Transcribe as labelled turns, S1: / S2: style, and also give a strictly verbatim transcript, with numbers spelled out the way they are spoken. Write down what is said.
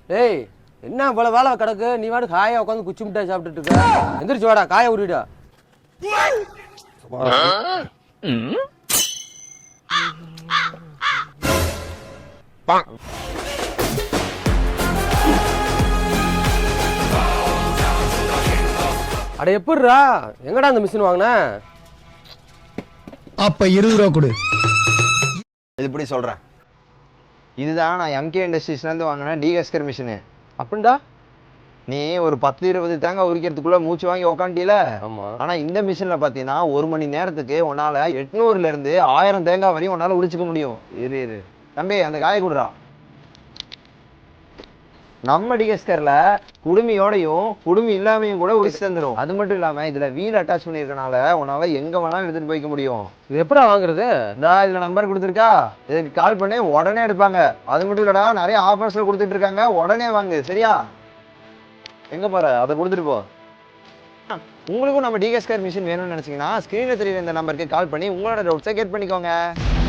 S1: ஏய் என்ன இவ்வளோ வேலை கிடக்கு நீ வாடு காயை உட்காந்து குச்சி மிட்டாய் சாப்பிட்டுட்டு இருக்க எந்திரிச்சு வாடா காயை உருவிடா அட எப்படிரா எங்கடா அந்த மிஷின் வாங்கின
S2: அப்ப இருபது ரூபா கொடு.
S3: இது இப்படி சொல்கிறேன், இதுதான் நான் எம்கே இண்டஸ்ட்ரீஸ்லேருந்து வாங்கினேன் டீகஸ்கர் மிஷினு.
S1: அப்படின்டா
S3: நீ ஒரு பத்து இருபது தேங்காய் உரிக்கிறதுக்குள்ளே மூச்சு வாங்கி உக்காண்டில.
S1: ஆமாம்.
S3: ஆனால் இந்த மிஷினில் பார்த்தீங்கன்னா ஒரு மணி நேரத்துக்கு உன்னால் எட்நூறுலேருந்து ஆயிரம் தேங்காய் வரையும் உன்னால் உரிச்சிக்க முடியும். இரு இரு தம்பி அந்த காய கொடுறா. நம்ம டிகஸ்கரில் குடுமியோடையும் குடுமி இல்லாமையும் கூட உரிச்சு தந்துடும். அது மட்டும் இல்லாமல் இதில் வீல் அட்டாச் பண்ணியிருக்கனால உன்னால் எங்கே வேணாலும் எடுத்துகிட்டு போய்க்க முடியும்.
S1: இது எப்படா வாங்குறது?
S3: இந்தா இதில் நம்பர் கொடுத்துருக்கா, இதுக்கு கால் பண்ணி உடனே எடுப்பாங்க. அது மட்டும் இல்லடா, நிறைய ஆஃபர்ஸில் கொடுத்துட்டு இருக்காங்க, உடனே வாங்கு சரியா. எங்கே போகிற அதை கொடுத்துட்டு போ. உங்களுக்கும் நம்ம டிகஸ்கர் மிஷின் வேணும்னு நினச்சிங்கன்னா ஸ்க்ரீனில் தெரியுற இந்த நம்பருக்கு கால் பண்ணி உங்களோட டவுட்ஸை கேட் பண்ணிக்கோங்க.